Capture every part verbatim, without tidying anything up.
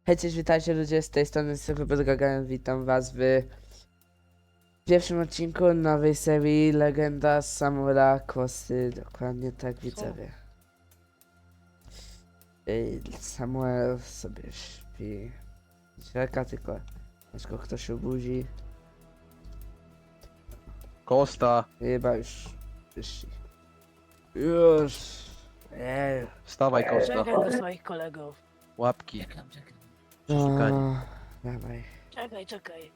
Hej, cześć, witajcie ludzie, z tej strony Super Gagarin, witam was w pierwszym odcinku nowej serii Legenda Samuela Kłosy, dokładnie tak widzowie. Ej, Samuel sobie śpi, czeka tylko, aż go ktoś obudzi. Kosta, Chyba już wyszli. Już! Ej. wstawaj Kosta. Czekaj do swoich kolegów. Łapki. Czekam, czekam. Przeszukanie. O, dawaj. Czekaj, czekaj.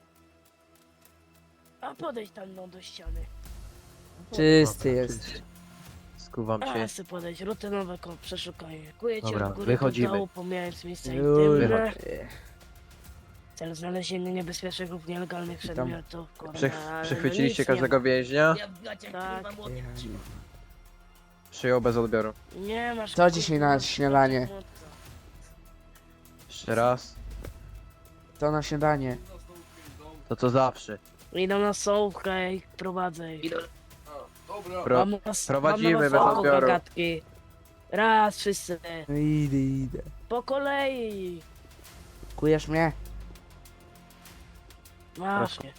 A podejdź tam no, do ściany. Czysty Dobra, jest. czysty. Skuwam A, się. chcę podejść. Rutynowe ko- przeszukanie. Kuję cię Dobra, od góry wychodzimy. do dołu, pomijając miejsca Już. intymne. Wychodź. W celu znalezienia niebezpiecznych lub nielegalnych Witam. przedmiotów. Kurwa, Przech ale przechwyciliście no nic nie każdego więźnia? Tak. Przyjął bez odbioru. ma. Nie masz. Co dzisiaj na kurwa, śniadanie? Jeszcze raz. To na śniadanie. To co zawsze. Idą na sołkę i prowadzę ich. Pro Mam na, prowadzimy mam na bez sołku odbioru. gagatki. Raz, wszyscy. No idę, idę. Po kolei. Kujesz mnie? Właśnie.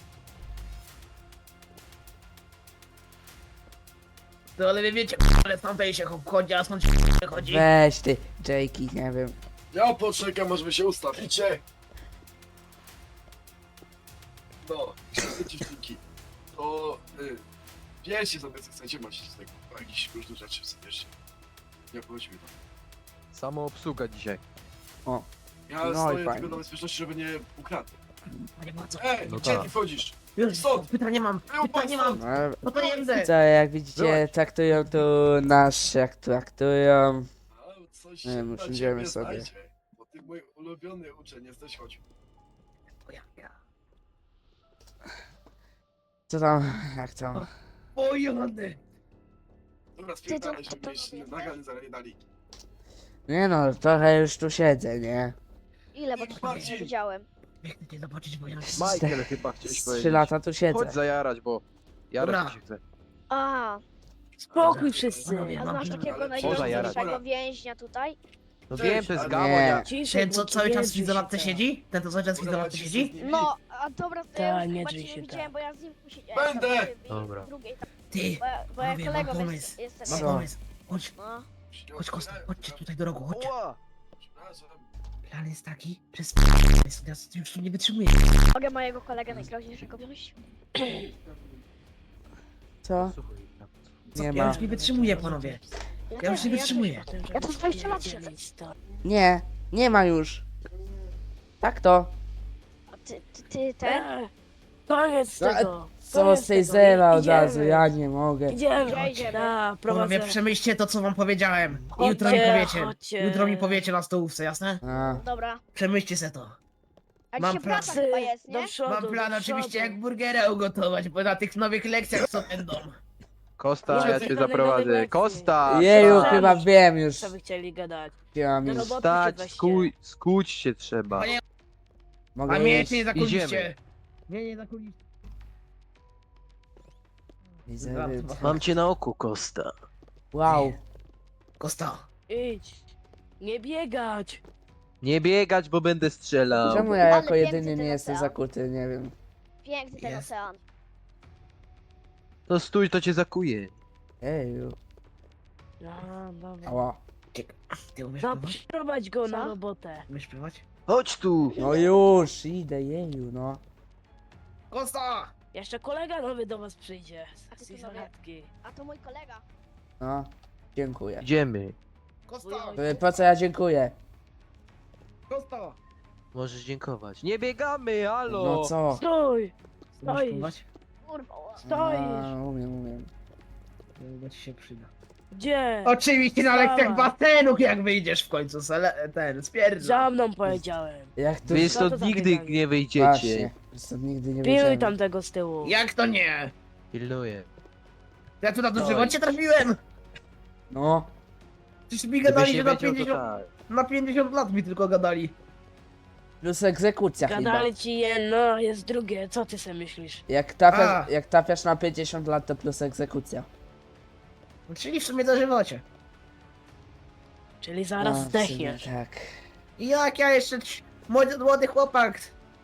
No ale wy wiecie, ale tamtej się chodzi, a skąd się chodzi? Weź ty, Jakey, nie wiem. Ja poczekam, aż wy się ustawicie. No, wszyscy dziewczynki. To y, wiecie sobie co chcecie, macie z tego jakieś różne rzeczy sobie wiecie. Nie obchodzi mi to. Samo obsługa dzisiaj. Ja No i stoję fajnie. tylko na bezpieczności, żeby nie ukradł. Panie Maco, Ej, No gdzie tak. ty wchodzisz? już Stąd! pytanie mam, Wyjął pytanie pan mam, stąd! No, no to jędzę. co, jak widzicie, traktują tu nas, jak traktują. A, coś Nie, się my na usiądziemy ciebie sobie. znajdzie, bo ty mój ulubiony uczeń jesteś, chodź. O ja, ja. Co tam, jak tam? O jony. Dobra, spierdalaj, żeby mieć nagany zaraz nie dali. Nie no, trochę już tu siedzę, nie? Ile, bo to Marcin! nie widziałem. Biegnę cię zobaczyć, bo ja... Michael chyba chciałeś Z powiedzieć. trzy lata tu siedzę. Chodź zajarać, bo jarać Dobra. mi się chce. A, Spokój wszyscy. Panowie, a mam znasz plan. takiego Ale poza najgorszego więźnia tutaj? No Cześć, wiem, to jest ale- gamoń. Nie. jak- Ciszej, Ten co bo cały nie czas w drzyj się izolacji tak. siedzi? Ten co cały czas w Dobra, izolacji ci siedzi? z nimi. No, a dobra, to Ta, ja nie chyba drzyj cię się nie widziałem, tak. bo ja z nim siedziałem. Będę! tam w Dobra. drugiej, tam, Ty, bo, ja- bo ja panowie, mam kolegą pomysł. jest, jestem. mam Co? pomysł. Chodź, No, chodź Kosta, chodźcie tutaj do rogu, chodźcie. Ła! Przepraszam. Plan jest taki, że sp... ja już tu nie wytrzymuję. mogę mojego kolegę najgroźniejszego wziąć? Co? Słuchaj, tam. Nie Ja ma. już nie wytrzymuję, panowie. Ja już nie wytrzymuję. Ja to dwadzieścia lat siedzę. Nie, nie ma już. Tak to. A ty, ty, ty, ten? Eee, Koniec No, a tego. Co koniec z tej tego. zera od Idziemy. razu, ja nie mogę. Idziemy. Gdzie idziemy? Da, Panowie, prowadzę. przemyślcie to, co wam powiedziałem. I Chodźcie, jutro mi powiecie. chodźcie. Jutro mi powiecie na stołówce, jasne? A, Dobra. Przemyślcie se to. A Mam dzisiaj plan. praca chyba jest, nie? Do przodu, Mam plan do oczywiście przodu. jak burgera ugotować, bo na tych nowych lekcjach co będą. Kosta, Może ja coś cię dalej, dalej zaprowadzę. lekcji. Kosta! jeju, wstać. chyba wiem już. Co by chcieli gadać? Wiem No już. roboty Wstać, weźcie. skuj, skuć się trzeba. Panie, Mogę a mnie iść? nie zakuliście. Idziemy. Nie, nie zakuliście. Widzę, widzę. Mam cię na oku, Kosta. Wow. Kosta. Idź. Nie biegać. Nie biegać, bo będę strzelał. Czemu ja Ale jako piękny jedyny ten nie jestem ocean. zakuty, nie wiem. Piękny ten Jest. ocean. To stój, to cię zakuje. Eju. No, dobra. Ała. Ciek- Ty umiesz No, pływać? przyprowadź go na Co? robotę. Umiesz pływać? Chodź tu! No już, idę, jeju, no. Kosta! Jeszcze kolega nowy do was przyjdzie. A ty Z tu izolatki. A to mój kolega. No. Dziękuję. Idziemy. Kosta! Y, Po co ja dziękuję? Kosta! Możesz dziękować. Nie biegamy, halo! No co? Stój! Umiesz Stoisz. pływać? Kurwa. ła. Stoisz. A, umiem, umiem. Chyba ci się przyda. Gdzie? Oczywiście na Wstawaj. lekcjach basenu, jak wyjdziesz w końcu, sele, ten, spierdza. Za mną powiedziałem. Jak tu... Wy Co to stąd za nigdy bieganie? nie wyjdziecie. Właśnie. Stąd nigdy nie Pilnuj wyjdziemy. tam tego z tyłu. Jak to nie? Pilnuję. Ja tu na to Oj. żywocie trafiłem! No. Przecież mi Gdybyś gadali, nie że na wiedział, to pięćdziesiąt, tak. na pięćdziesiąt lat mi tylko gadali. Plus egzekucja chyba. Gadali ci jedno, jest drugie. Co ty sobie myślisz? Jak trafiasz, A. jak trafiasz na pięćdziesiąt lat, to plus egzekucja. Czyli w sumie do żywocie. Czyli zaraz A, w sumie zdechniesz. Tak. I jak ja jeszcze trz- Młody, młody chłopak.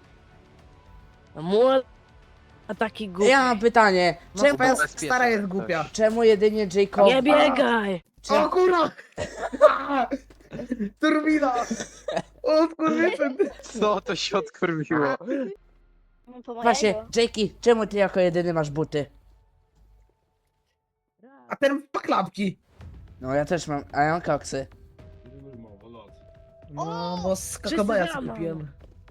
A młody, a taki głupi. Ja mam pytanie, No czemu, twoja bezpiecznie, stara jest tak. głupia. czemu jedynie Jacob... Nie biegaj! Czemu, O kurwa! Turbina! O skurwysyn! Co to się odkurwiło? Po właśnie, mojego. Jakey, czemu ty jako jedyny masz buty? A ten ma klapki. No ja też mam, a ja mam koksy. No, bo z kakabaja Wszyscy sobie rano. kupiłem.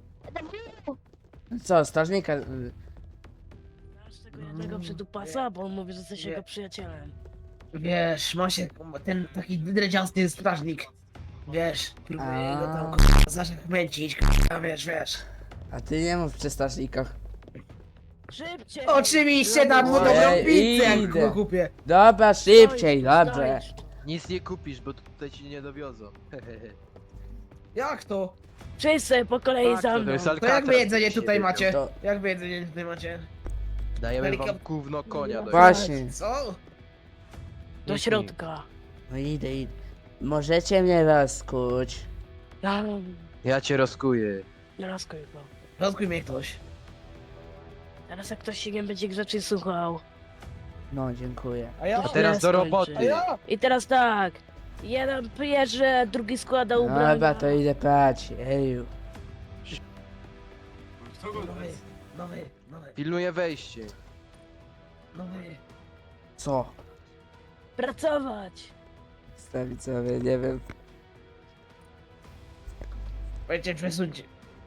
Co, strażnika... y, Masz tego jednego przydupasa, bo on mówi, że jesteś Nie. jego przyjacielem. Wiesz, ma się ten taki dredziasty strażnik. Wiesz, próbuje A. go tam k***a zaszachmęcić, k***a, wiesz, wiesz. A ty nie mów przy strażnikach. Szybciej! Oczywiście dam mu dobrą Ej, pizzę, jak idę. go kupię. Dobra, szybciej, Stoisz, dobrze. stoisz. Nic nie kupisz, bo tutaj ci nie dowiozą. Jak to? Wszyscy po kolei Tak, za to mną. jest To Alcatraz, jak wy jedzenie byście tutaj wiedział. macie? To- Jak wy jedzenie tutaj macie? Dajemy wam Helikop- gówno konia do Właśnie. Co? Do środka. No idę, idę. Możecie mnie rozkuć. Ja, Ja cię rozkuję. nie rozkuj go. Rozkuj mnie ktoś. Teraz jak ktoś się nie będzie grzecznie słuchał. No, dziękuję. A ja? To teraz nie do skończy. roboty. A ja? I teraz tak. Jeden pierze, drugi składa ubrania. Dobra, to idę prać. Eju. Kto go Nowy, nowy, nowy, Pilnuję wejście. nowy. Co? Pracować. Stawić sobie, nie wiem. Powiedzcie, przesuńcie.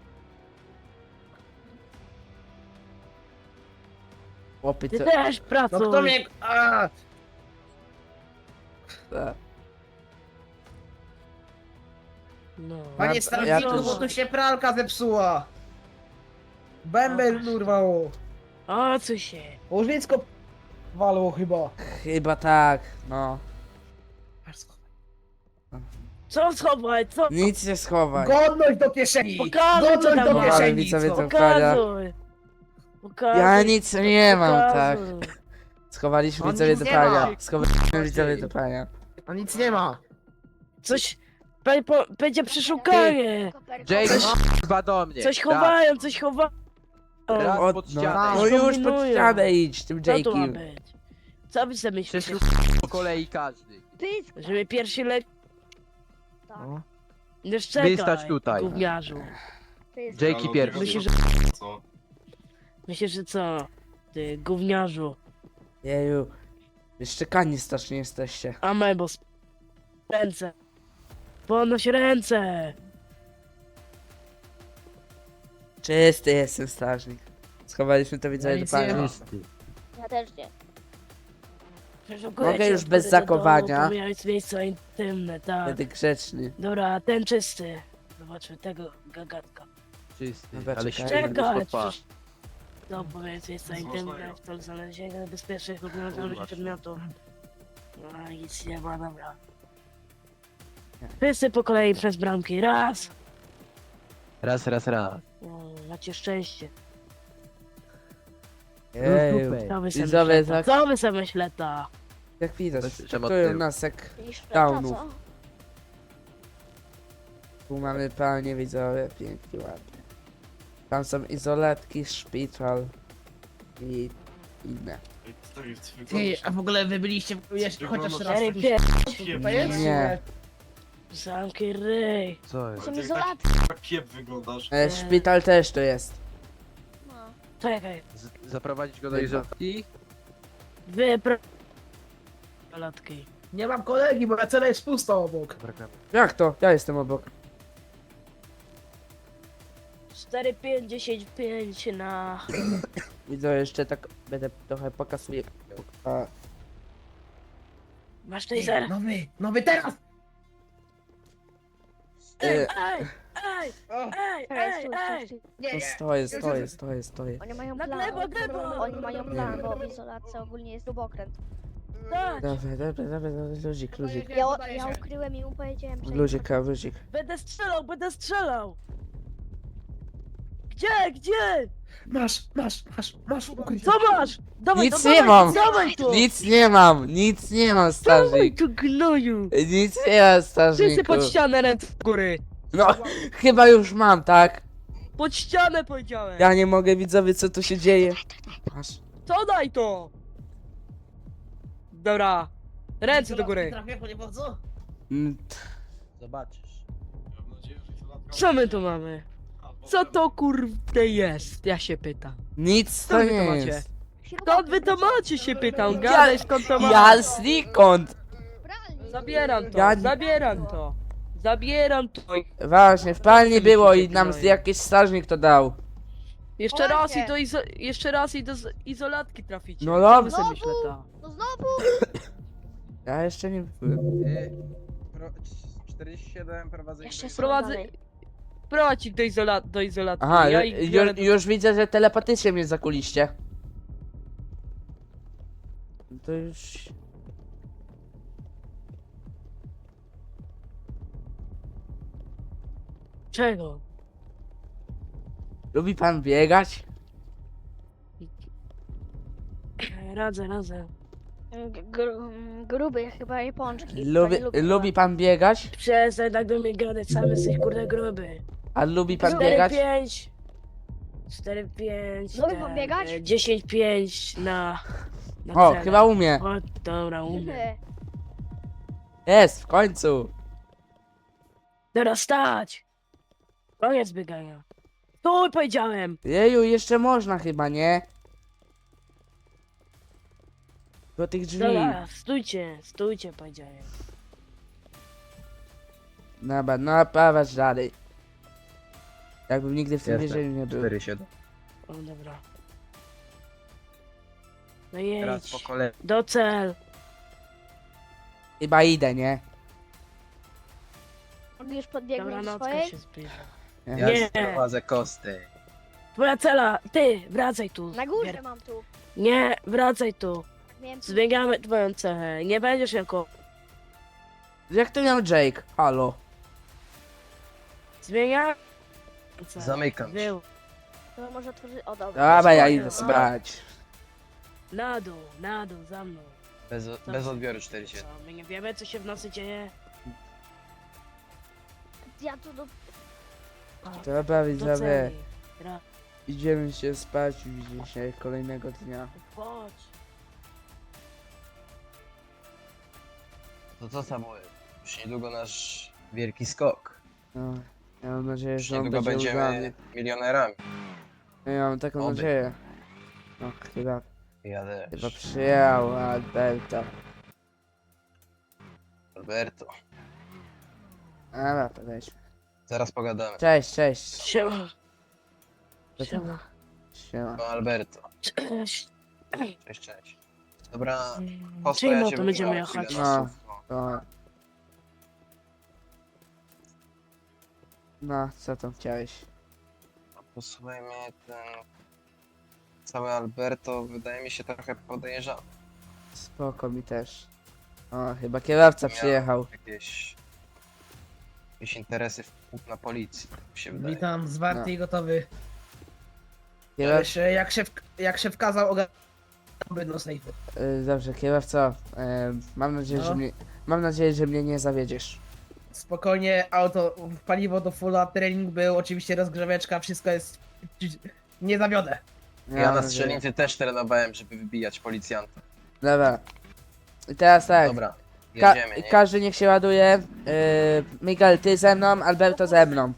Chłopy, Ty co? też No pracuj. kto mnie... A! A, No. Panie Ja- strażniku, ja też- bo tu się pralka zepsuła. Bębel urwało. O co się? Łożycko walło chyba. chyba tak, no. Co schowaj? Co? Nic nie schowaj. Godność do kieszeni! Pokażę, co Godność tam do masz. kieszeni! Widzowie, co? to- Pokazuj. Pokazuj. Ja nic nie mam, tak. Pokazuj. Schowaliśmy On widzowie nic do nie prania. ma. Schowaliśmy widzowie do prania. A nic nie ma. Coś... Be, po, będzie przeszukanie. Jake, chyba do mnie. Coś Raz, chowają, coś chowają. raz O, pod no, ścianę. no już pod Kombinują. ścianę idź, tym Co tu ma Jake'iem. być? Co wy sobie myślicie? Przeszukaj po kolei każdy. Pysk. Żeby pierwszy lek... Tak. Już czekaj, Wystać tutaj. gówniarzu. Pysk. Jakey pierwszy. Myślisz, że... Co? Myślisz, że co? Ty, gówniarzu. Jeju. Szczekani strasznie jesteście. Amebos. Ręce. Podnoś ręce. Czysty jestem strażnik. Schowaliśmy to widzowie do nic nie prania. ma. Ja też nie. Przeszukujecie Mogę już od bez góry do dołu, zakowania. pomijając miejsca intymne, tak. Będę grzeczny. Dobra, ten czysty. Zobaczmy tego gagatka. Czysty, Dobra, ale czekaj. ścięgny Czekaj, spod pas. przecież... No, pomijając miejsca intymne, w celu znalezienia bezpiecznych lub nienaturalnych przedmiotów. No, nic nie ma, dobra. Wszyscy po kolei przez bramki. Raz. Raz, raz, raz. O, macie szczęście. Jeju. Co wy sobie Widzowie, myśleta? tak- Co wy sobie myśleta? Jak widać, Bez- czemu traktują tył? nas jak Niż Downów. co? tu mamy pranie widzowie, pięknie, ładnie. Tam są izolatki, szpital i inne. Ty, a w ogóle wy byliście jeszcze chociaż raz. Cztery, tu- pięć. To jest? Nie. Zamknij ryj. Co jest? Są Jak izolaty. Tak kiep wyglądasz. E, szpital też to jest. No. Czekaj. Z zaprowadzić go do Chyba. izolacji? Wypro... Latki. Nie mam kolegi, bo cela jest pusta obok. Brakamy. Jak to? Ja jestem obok. cztery, pięć, dziesięć, pięć na... Widzę, jeszcze tak będę trochę pokasuję. A, Masz Ty, taser? Nowy, nowy teraz! Ej, e, ej, ej, O, ej, Ej, ej, stój, ej. stój, stój. nie, to nie. stoję, stoję, stoję, stoję. Oni mają Na plan. glebo, glebo! Oni mają plan, bo w izolacji ogólnie jest śrubokręt. Tak, Dobra, dobra, dobra, dobra, luzik, luzik. Ja, ja ukryłem i mu powiedziałem, że... Luzik, a luzik. będę strzelał, będę strzelał. Gdzie, gdzie? Masz, masz, masz, masz ukrycie. Co masz? Dawaj, Nic to nie dawaj, mam. Dawaj tu. Nic nie mam, nic nie mam, Dawaj strażnik. tu gnoju. Nic nie mam, Wszyscy strażniku. pod ścianę ręce w góry. No, chyba już mam, tak? Pod ścianę powiedziałem! Ja nie mogę, widzowie, co tu się dzieje. Masz. Co daj to? Dobra. Ręce do góry. Trafię po niewodzu? Mm, Zobaczysz. Mam nadzieję, że izolatka- Co my tu mamy? Co to kurde jest? Ja się pytam. Nic Co to wy nie to macie? jest. Skąd wy to macie się pytam? Gadaj skąd to macie. Ja znikąd! Zabieram to, Ja nie- zabieram to. Zabieram to. Właśnie, w palni było i nam z- jakiś strażnik to dał. Jeszcze raz i Słuchajcie. do izo jeszcze raz i do z- izolatki traficie. No Co dobrze. wy sobie myślę ta? No znowu? Ja jeszcze nie byłem. Ty, pro, czterdzieści siedem prowadzę. Jeszcze są Prowadzę... dalej. Prowadź ich do, izola do izolatki. Aha, ja ju, ich ju, biorę do... już widzę, że telepatycznie mnie zakuliście. To już... Czego? Lubi pan biegać? Radzę, radzę. G- gru, gruby, chyba jej pączki. Lubi, Chyba nie lubi pan biegać? Przestań tak do mnie gadać, sam jesteś kurde gruby. A lubi pan cztery biegać? pięć. cztery pięć. Lubi pan biegać? dziesięć pięć na... na O, cele. chyba umie. O, dobra, umiem. Gruby. Jest, w końcu. Teraz stać! Koniec biegania. Stój, powiedziałem! Jeju, jeszcze można chyba, nie? Do tych drzwi. Dobra, stójcie, stójcie, powiedziałem. Dobra, no prowadź dalej. Jakbym nigdy w tym Jestem. więzieniu nie był. cztery siedem. O, dobra. No Teraz po jedź. kolei. Do cel. Chyba idę, nie? Mogli już Dobra, podbiegnąć do nocka swojej? się zbliża. Ja Nie. prowadzę kosty. Twoja cela! Ty, wracaj tu. Na górze Bier- mam tu. Nie, wracaj tu. Miałem tu. Zmieniamy twoją cechę. Nie będziesz jako... Jak to miał Jake? Halo. Zmienia... cechę. Zamykam się. Był. To może otworzyć. O dobra. Dobra, ja spokojnie, idę no. spać. Na dół, na dół, za mną. Bez, bez odbioru cztery siedem. Co, my nie wiemy, co się w nocy dzieje? Ja tu do. Dobra, Do widzowie. celi. Ra- Idziemy się spać już dzisiaj kolejnego dnia. Chodź. To co Samuel? Już niedługo nasz wielki skok. No, ja mam nadzieję, Już że on niedługo będzie udany. będziemy milionerami. Ja mam taką Oby. nadzieję. No, chyba, Ja chyba też. przyjechał Alberta. Alberto. Dobra, to weźmy. Zaraz pogadamy. Cześć, cześć. Siema. To- Siema. Siema. No Alberto. Cześć. Cześć, cześć. Dobra, Mm, posto Czyli ja no cię to będziemy wybrałem jechać. chwilę na No. słówko. To... No, co tam chciałeś? Posłuchaj mnie, ten cały Alberto wydaje mi się trochę podejrzany. Spoko mi też. O, chyba kierowca Miał przyjechał. Jakieś, jakieś interesy w, na policji, tak mi się wydaje. Witam, zwarty No. i gotowy. Kierow... Wiesz, jak szef, jak szef kazał ogarnąć do sejfu. y, Dobrze, kierowco. y, Mam nadzieję, No. że mnie... Mam nadzieję, że mnie nie zawiedziesz. Spokojnie, auto, paliwo do fulla, trening był, oczywiście rozgrzeweczka, wszystko jest... Nie zawiodę. Ja mam na nadzieję. strzelnicy też trenowałem, żeby wybijać policjanta. Dobra. I teraz tak. Dobra, Ka jedziemy, nie? każdy niech się ładuje. Yy, Miguel, ty ze mną, Alberto ze mną.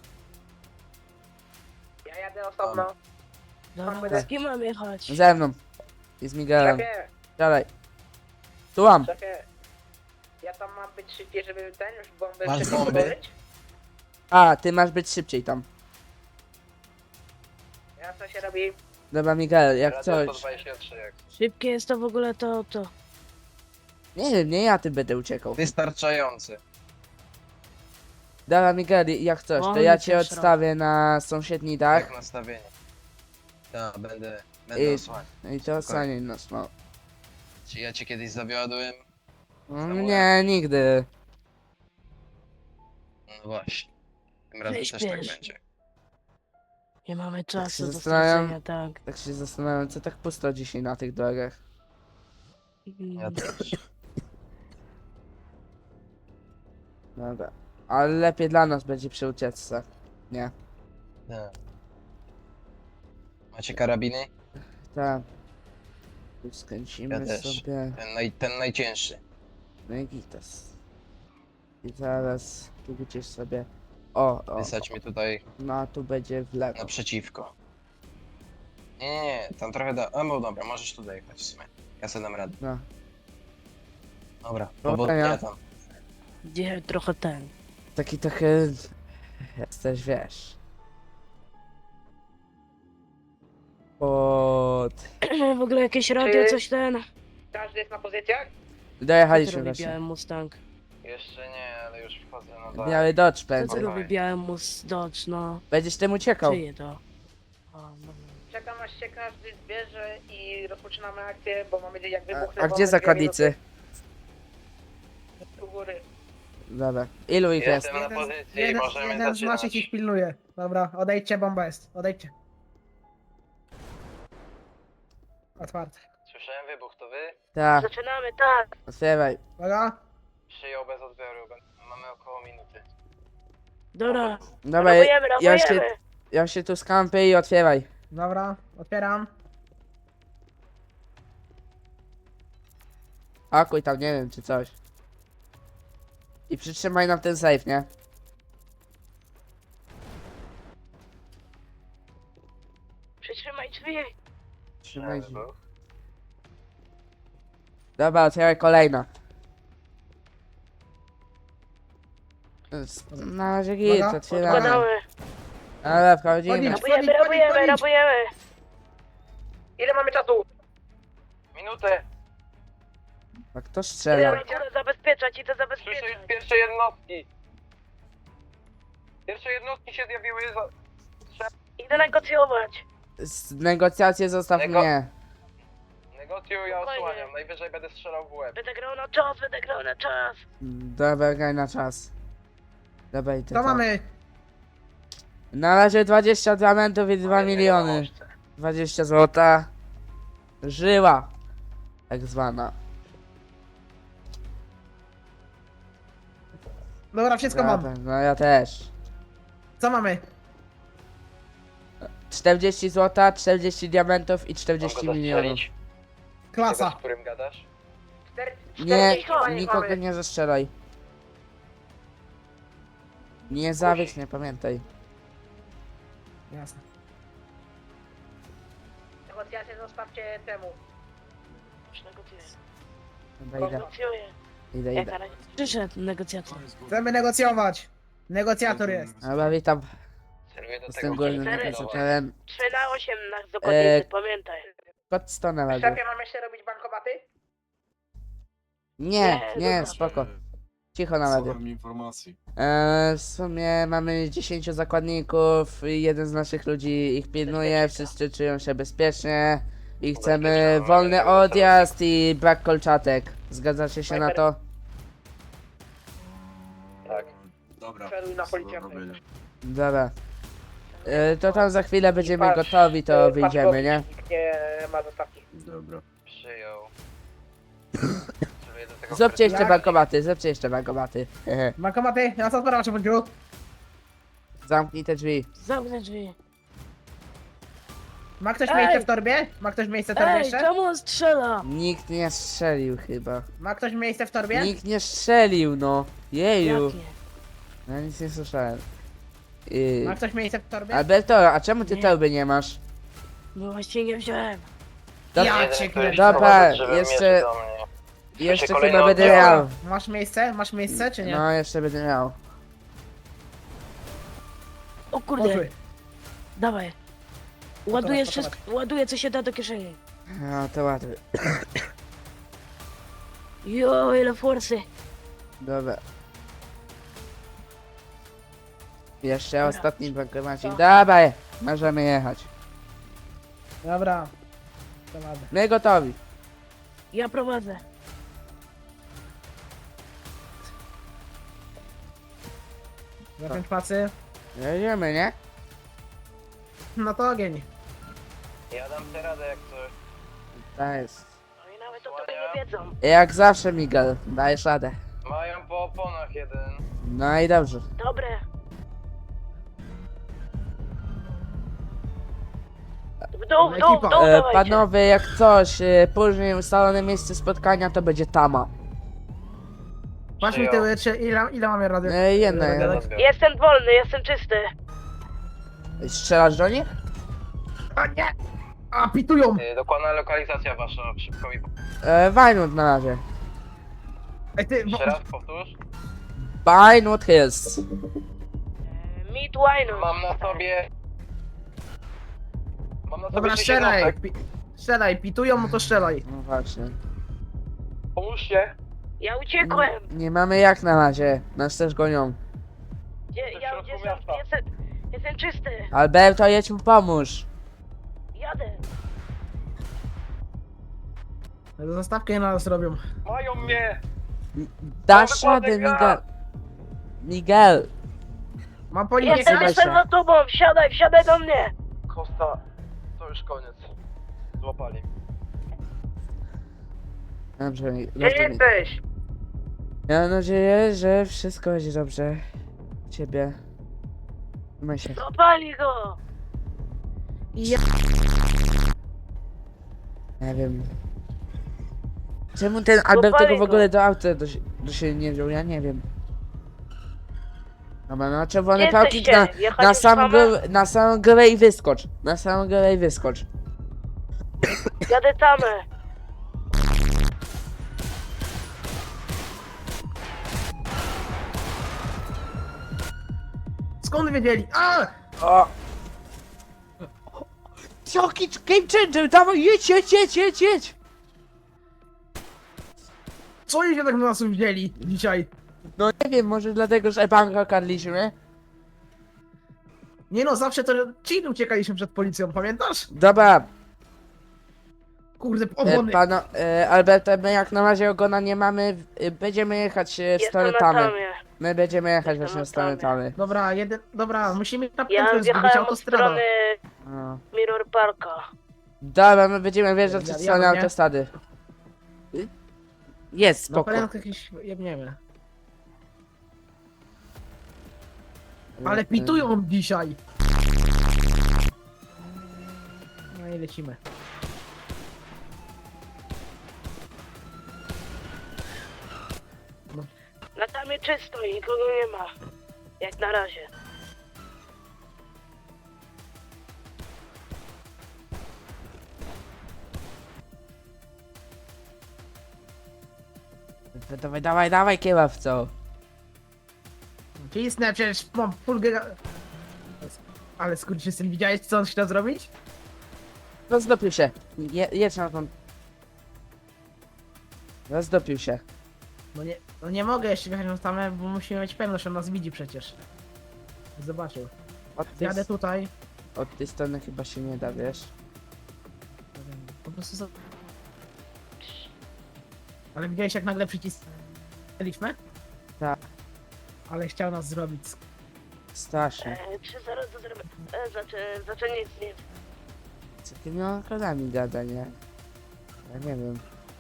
Ja jadę osobno. Dobra, z kim mam jechać? Ze mną. I z Miguelem. Dalej. Słucham. Ja tam mam być szybciej, żeby ten już bombę Masz szybciej bomby? podłożyć? A, ty masz być szybciej tam. Ja co się robi? Dobra, Miguel, jak Radio coś. sto dwadzieścia trzy, jak Szybkie jest to w ogóle to auto. Nie wiem, nie ja tym będę uciekał. wystarczający. Dobra, Miguel, jak coś, to Wolny ja cię ciężar. odstawię na sąsiedni dach. Jak nastawienie. Tak, będę, będę I- osłaniał. I to ocenię nas, no. Czy ja cię kiedyś zawiodłem? Mm, Nie, nigdy. No właśnie. Tym razem Weź też tak bierz. będzie. Nie mamy czasu do zastanawiam. stracenia, tak. Tak się zastanawiam, co tak pusto dzisiaj na tych drogach. Ja też. Dobra. Ale lepiej dla nas będzie przy ucieczce. Nie. Nie. Macie karabiny? Tak. Tu skręcimy Ja też. sobie. Ten, naj, ten najcięższy. No i gitas. I zaraz tu gdzieś sobie. O, o. Wysać mnie tutaj No a tu będzie w lewo. naprzeciwko. Nie, nie, nie, tam trochę da... A no dobra, możesz tu dojechać w sumie. Ja sobie dam radę. No. Dobra, Dobra, powodzenia ja- tam. Gdzie trochę ten. Taki trochę. Jesteś, wiesz. Pod. W ogóle jakieś radio, Czy- coś ten. Każdy jest na pozycjach? Co Dojechaliśmy robi właśnie. biały Mustang? Jeszcze nie, ale już wchodzę na dole. Biały Dodge Co będzie. to robi biały Mus Dodge, no. Będziesz tym uciekał. Czyje to? O, no. Czekam aż się każdy zbierze i rozpoczynamy akcję, bo mamy jak A, wybuchną. a gdzie zakładnicy? U góry. Dobra. Ilu ich jest? Jestem na pozycji, jeden, możemy jeden z zaczynać. naszych ich pilnuje. Dobra, odejdźcie, bomba jest. Odejdźcie. Otwarte. Słyszałem wybuch, to wy? Tak. Zaczynamy, tak. Otwieraj. Uwaga. Przyjął bez odbioru, ben- mamy około minuty. Dobra. Dobra, Robujemy, ja się, robujemy. ja się tu skampię i otwieraj. Dobra, otwieram. Akuj tam, nie wiem, czy coś. I przytrzymaj nam ten safe, nie? Przytrzymaj drzwi. Trzymaj się. wybuch. Dobra, otwieraj kolejna. S- Na razie git, Uwaga, otwieramy. Podkładamy. Ale wchodzimy. Podjedź. Robujemy, Wchodzić, robujemy, wchodzić. robujemy. Ile mamy czasu? Minutę! A kto Idę strzela? na górę zabezpieczać, idę Słyszę zabezpieczać. już pierwsze jednostki! Pierwsze jednostki się zjawiły za... Idę negocjować. Z negocjacje zostaw Nego- mnie. Negocjuję, ja Spokojnie. osłaniam, najwyżej będę strzelał w łeb. Będę grał na czas, będę grał na czas. Dobra, graj na czas. Dobra, i Co to. mamy? Na razie dwadzieścia diamentów i dwa miliony. dwadzieścia złota. Żyła. Tak zwana. Dobra, wszystko mam. Dobra, no ja też. Co mamy? czterdzieści złota, czterdzieści diamentów i czterdzieści Mogę milionów. zastrzelić? Klasa. Tego, z którym gadasz? Nie, czterdzieści nikogo mamy. nie zastrzelaj. Nie zawiedź, nie pamiętaj. Jasne. Negocjacje zostawcie temu. Już negocjuję. Dobra, idę, Negocjuję. idę, Jak idę. na razie przyszedł negocjacja. Chcemy negocjować. Negocjator jest. Dobra, witam. Celuję do Jestem tego, głównym który Cztery. negocjatorem. trzy na osiem na dokładnicy, Eee, pamiętaj. Kod sto na razie. Szefie, mam jeszcze robić bankomaty? Nie, Nie, nie, dobra. spoko. Cicho na razie. Słucham mi informacji. Eee, w sumie mamy dziesięciu zakładników, i jeden z naszych ludzi ich pilnuje, wszyscy czują się bezpiecznie i chcemy Ubezpieczamy, wolny mamy odjazd i brak kolczatek. Zgadzacie się na to? Tak. Dobra. Celuj na co do policjanta. robienia. Dobra. Eee, to tam za chwilę będziemy patrz, gotowi, to e, wyjdziemy, nie? Nikt nie ma zostawki. Dobra. Przyjął. Celuję do tego, Zróbcie który- jeszcze Jak? bankomaty, zróbcie jeszcze bankomaty. Hehe. Bankomaty? Ja co sprawa, czy Zamknij te drzwi. Zamknę drzwi. Ma ktoś Ej! miejsce w torbie? Ma ktoś miejsce w torbie Ej, jeszcze? czemu on strzela? Nikt nie strzelił chyba. Ma ktoś miejsce w torbie? Nikt nie strzelił, no. Jeju. Jakie? Ja nic nie słyszałem. Yy. Ma ktoś miejsce w torbie? Alberto, a czemu ty Nie. torby nie masz? No właśnie nie wziąłem. Dobra, Ja Jeden, cię który kręcę. Dobra, sprowadza drzewem jeszcze- mierzy do mnie. jeszcze kolejna chyba będę oddziała. miał. Masz miejsce? Masz miejsce, czy nie? No, jeszcze będę miał. O kurde, Poszły. dawaj. Ładuję Gotowe, wszystko, ładuję co się da do kieszeni. No, to ładnie. Jo, ile forsy. Dobra. Jeszcze Dobra. ostatni bankomacik. Co? Dawaj, możemy jechać. Dobra. To ładne. My gotowi. Ja prowadzę. Zapiąć pacy. Jedziemy, nie? No to ogień. Ja dam sobie radę jak coś. To jest. No i nawet o tobie nie wiedzą. Jak zawsze, Miguel, dajesz radę. Mają po oponach jeden. No i dobrze. Dobre. W dół, w dół, w dół, E, dawajcie. panowie, jak coś, e, później ustalone miejsce spotkania to będzie tama. Patrz mi tyły, czy ile, ile mamy radio? E, jedna, Gadać? jedna. Jestem wolny, jestem czysty. Strzelasz do nich? A nie! A, pitują! Y, Dokładna lokalizacja wasza, szybko mi... E, Vinewood na razie. Ej, ty, bo, Jeszcze raz powtórz. Vinewood Hills. Meet Wine. Mam na sobie... Mam na sobie dobra, sześć strzelaj! jednostek. Pi, strzelaj, pitują, no to strzelaj. No właśnie. Pomóżcie. Ja uciekłem. Nie mamy jak na razie. Nas też gonią. Gdzie, Jestem w ja środku jestem, miasta. jestem, jestem czysty. Alberto, jedź mu pomóż. Jadę. Zastawkę na nas robią. Mają mnie! Dasz Mam radę, wykładnika! Miguel. Miguel. Mam po nim Jestem, Zobacz jestem się. za tobą. Wsiadaj, wsiadaj do mnie. Kosta, to już koniec. Złapali. Dobrze, Gdzie dobrze. jesteś? Ja mam nadzieję, że wszystko będzie dobrze. U ciebie. Trzymaj się. Złapali go. Ja... Nie wiem. Czemu ten Alberto go w go. ogóle do auta do, do siebie nie wziął? Ja nie wiem. Dobra, na czerwony Gdzie parking jesteście? na, Jechać na, już sam mamy? górę, na samą górę i wyskocz. Na samą górę i wyskocz. Jadę tamę. Skąd wiedzieli? A! O! Jaki game changer! Dawaj, jedź, jedź, jedź, jedź, jedź! Co oni się tak na nas wzięli dzisiaj? No nie wiem, może dlatego, że banka kradliśmy? Nie no, zawsze to ci uciekaliśmy przed policją, pamiętasz? Dobra, Kurde, e, opony. pano, e, Alberto, my jak na razie ogona nie mamy, e, będziemy jechać e, w Jestem stronę na Tamy. tamie. My będziemy jechać Jestem właśnie na w stronę Tamie. Tamy. Dobra, jeden, dobra, musimy na Ja piętro zgubić wjechałem od autostrada. strony No. Mirror Parka. Dobra, my będziemy wjeżdżać w Ja- stronę jadą, nie? autostrady. Y? Jest, Na spoko. prędko jakieś jebniemy. Ale pitują dzisiaj. No i lecimy. Na tamie czysto i nikogo nie ma. Jak na razie. E, Dawaj, dawaj, dawaj, kierowco. Cisnę, przecież mam full giga... Ale skurczysyn, widziałeś co on chciał zrobić? Rozdopił się. Je, jedź na tą... Rozdopił się. No nie, no nie mogę jeszcze wjechać na tamę, bo musimy mieć pewność, on nas widzi przecież. Zobaczył. Od tej, Jadę tutaj. od tej strony chyba się nie da, wiesz? Po prostu za... Ale widziałeś jak nagle przycisnęliśmy? Tak. Ale chciał nas zrobić. Strasznie. E, czy zaraz to zrobię? E, znaczy, znaczy nic, nic. Co tymi okradami gada, nie? Ja nie wiem.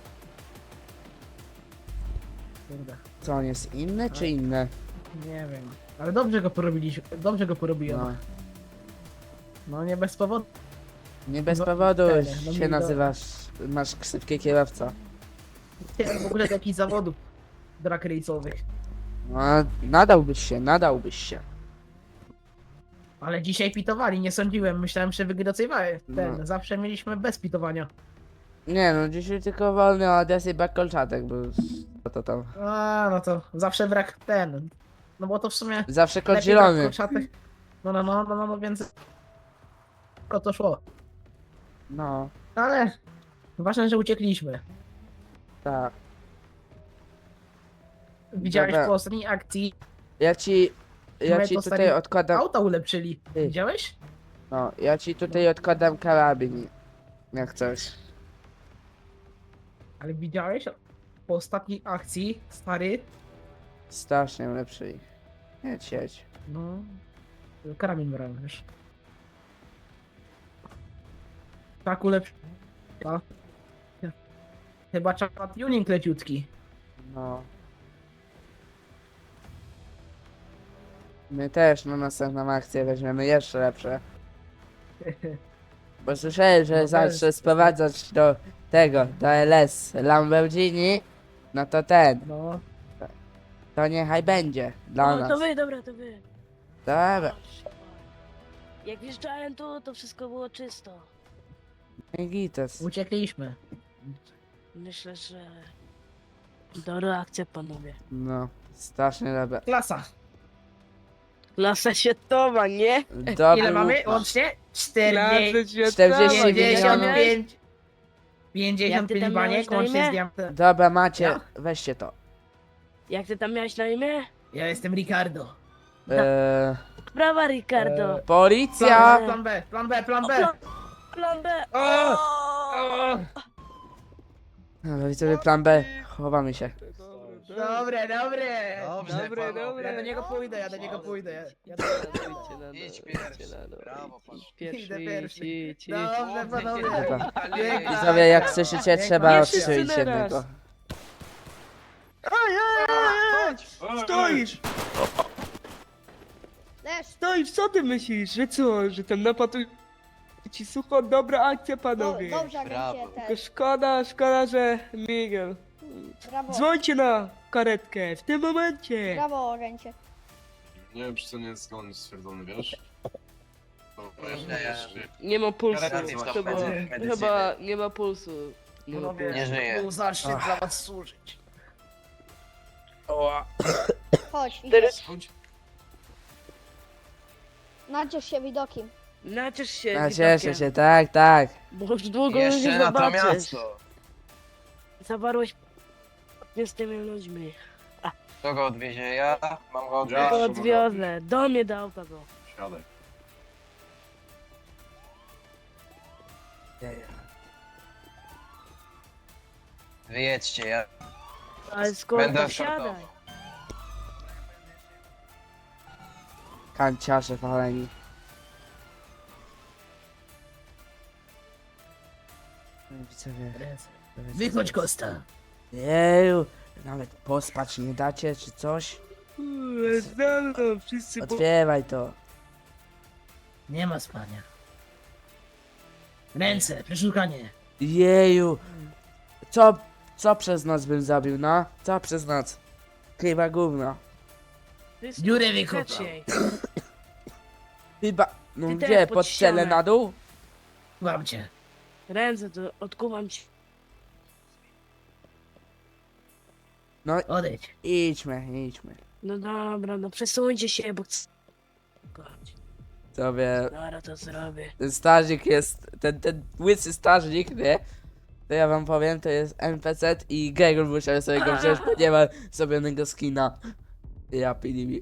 Kurde. Co, on jest inny czy inne? Nie wiem. Ale dobrze go porobiliśmy. Dobrze go porobiłem. No. No nie bez powodu. Nie bez No, powodu ten, no się mi do- nazywasz, masz ksywkę kierowca. Nie wiem w ogóle do jakichś zawodów drag race'owych. No, nadałbyś się, nadałbyś się. Ale dzisiaj pitowali, nie sądziłem. Myślałem, że wygrywają. Ten, No. zawsze mieliśmy bez pitowania. Nie no, dzisiaj tylko wolny odjazd i brak kolczatek, bo co to tam. A, no to zawsze brak ten. No bo to w sumie Zawsze kod lepiej brak zielony. kolczatek. No, no, no, no, no, no, więc... To to szło. No, Ale ważne, że uciekliśmy. tak. Widziałeś Dobra. po ostatniej akcji, Ja ci, ja My ci dostali tutaj odkładam, auta ulepszyli. Ty. Widziałeś? no, ja ci tutaj odkładam karabin. Jak coś. Ale widziałeś po ostatniej akcji, stary? Strasznie lepszy. Jedź, jedź. No. Karabin brałem, wiesz. Tak ulepszył. Chyba trzeba tuning leciutki. No. My też na następną akcję weźmiemy jeszcze lepsze. Bo słyszałem, że No zacznę też, sprowadzać do tego, do L S Lamborghini, no to ten, No, to niechaj będzie dla O, nas. to wy, dobra, to wy. Dobra, Jak wjeżdżałem tu, to wszystko było czysto. i gites. uciekliśmy. Myślę, że... Dobra akcja, panowie. No, strasznie dobra. Klasa. Klasa światowa, nie? Dobry Ile mamy łup. łącznie? czterdzieści... czterdzieści pięćdziesiąt milionów. pięć... Jak pięćdziesiąt ty pięć tam baniek miałeś na łącznie imię? z diamentem. Dobra, macie, Ja? weźcie to. Jak ty tam miałeś na imię? Ja jestem Ricardo. Eee, Brawa, Ricardo. Eee, policja! Plan, plan B, plan B, plan O, B. plan, plan B. O! O! O! Dobra, widzowie, plan B, chowamy się. Dobre, dobre. Dobrze, Dobre, panowie. dobre. Ja do niego pójdę, ja do niego pójdę. Ja, ja do niego pójdę. Idź pierwszy. Brawo, pan. Idę pierwszy. idź, idź. Dobrze, panowie. Dobra. Piękna Widzowie, jak akcja. słyszycie, Piękna trzeba akcja. odstrzelić wszyscy naraz. jednego. Stoisz! Leż, Stoisz, co ty myślisz? Że co? Że tam napadł ci sucho? Dobra akcja, do, panowie. dobrze, Brawo. agencie Tylko też. szkoda, szkoda, że Miguel. Brawo, Dzwońcie na karetkę w tym momencie. brawo, agencie. Nie wiem, czy to nie jest zgodnie stwierdzony, wiesz? Dobra, Nie, ja Nie ma pulsu. Karetki w Chyba, medycynie. chyba nie ma pulsu. Nie ma Panowie, pulsu. Nie żyje. Był zaszczyt dla was służyć. Chodź, idziesz. Teraz Chodź. Naciesz się widokiem. naciesz się. No, widokiem, cieszę się, tak, tak. Bo już długo nie Jeszcze na to zobaczysz. miasto. Zawarłeś nie z tymi ludźmi. Kto go odwiezie? Ja mam go Ja. To odwieźć. odwiozę. Do mnie do auta go. Siadaj. Wyjedźcie, ja Ale skoro będę to wsiadaj. eskortował. Kanciarze waleni. No, widzowie, Wychodź, Kosta. jeju, nawet pospać nie dacie, czy coś? Uuu, Znalazł, wszyscy po... Otwieraj to. Nie ma spania. Ręce, przeszukanie. Jeju, co, co przez noc bym zrobił, no? Co przez noc? Chyba gówno. Wszystko Dziurę wykopał. trzeciej. Chyba, no Ty gdzie, też pod pod ścianę ścianę. na dół? Łam cię. Ręce to odkuwam ci. No Odejdź. idźmy, idźmy. No dobra, no przesuńcie się, bo chcę. Sobie, Dobra, to zrobię. ten strażnik jest, ten, ten łysy strażnik, nie? To ja wam powiem, to jest N P C i Gregor musiał sobie go wziąć, bo nie ma zrobionego skina. Ja pilimi.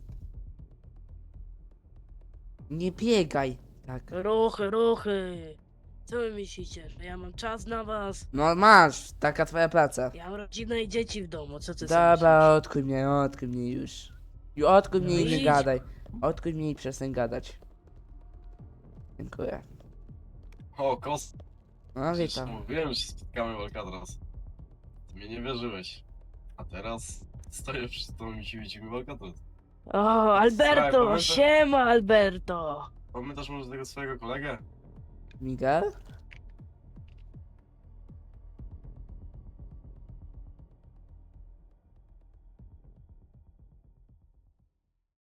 Nie biegaj, tak. Ruchy, ruchy. Co wy myślicie, że ja mam czas na was? No masz, taka twoja praca. Ja mam rodzinę i dzieci w domu, co ty sobie Dobra, odkuj mnie, odkuj mnie już. Już odkuj mnie No i nie idź. gadaj. Odkuj mnie i przestań gadać. Dziękuję. O, Kost. No Przecież witam. mówiłem, że spotkamy w Alcatraz. Ty mnie nie wierzyłeś. A teraz stoję przed tobą i się widzimy w Alcatraz. O, Alberto, pamiętam- siema Alberto. Pamiętasz może tego swojego kolegę? Miguel?